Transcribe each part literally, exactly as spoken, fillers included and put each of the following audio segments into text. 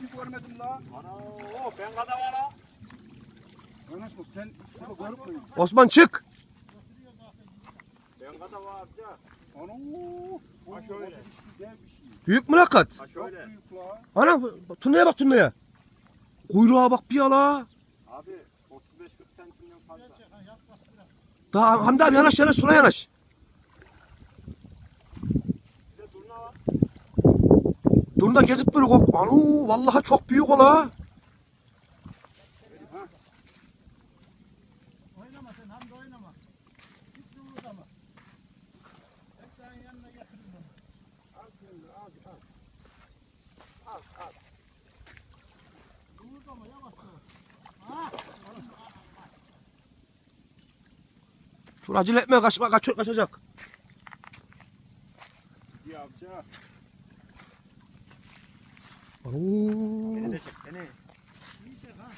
şey görmedim la. Ana o ben kadar var ha. Yanaş bak sen şunu görüp mü? Osman çık. Ben kadar var amca. Ana Ha şöyle. Güzel bir şey. Büyük mülakat. Ha Çok şöyle. büyük la. Ana turnaya bak turnaya. Kuyruğa bak bir ala. Abi otuz beş kırk santimden fazla. Daha Hamdi abi yanaş yanaş sola yanaş. Bir de durna var. Durun da gezip böyle kork. Anu vallahi çok büyük ola. Oynama sen Hamdi oynama. Hiç kıvırdama. Hep senin yanına getiririm onu. Al şimdi al al. Al al. Kıvırdama yavaş yavaş. Ha? Dur acele etme kaçma kaç kaçacak. Bir amca. Anu. Beni de çek beni. İyi çek ha.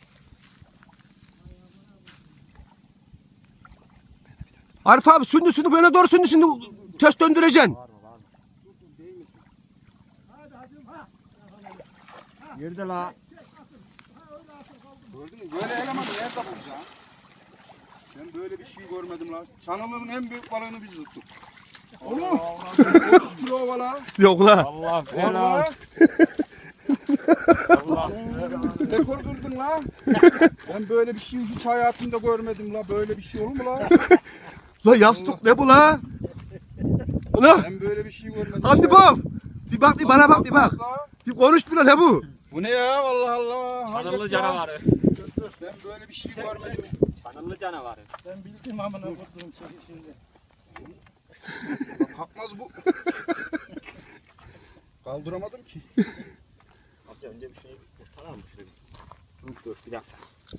Arif abi sündü sündü böyle doğru sündü şimdi ters döndüreceksin. Var mı var mı? Dur dur değil misin? Hadi hadi ha. Girdi la. Çek asıl. Ha öyle asıl kaldı. Gördün mü? Böyle elemanı nerede bulacaksın? Ben böyle bir şey görmedim la. Çanılığın en büyük balığını biz tuttuk. Oğlum otuz kilo valla. Yok la. Allah Valla. Allah Rekor kırdın la. Ben böyle bir şey hiç hayatımda görmedim la. Böyle bir şey olur mu la? La yastık ne bu la? La Ben böyle bir şey görmedim. Hamdi ya. bab. Bir bak bir bana bak bir bak. La. Bir konuş bir la ne bu? Bu ne ya Allah Allah. Çanıllı Hayret ya. canavarı. Ben böyle bir şey görmedim. Çanıllı canavarı. Ben bildim amına koyduğum şeyi şimdi. Bak, kalkmaz bu. Kaldıramadım ki. Amca önce bir şey kurtaralım şurayı. Dur dur bir dakika.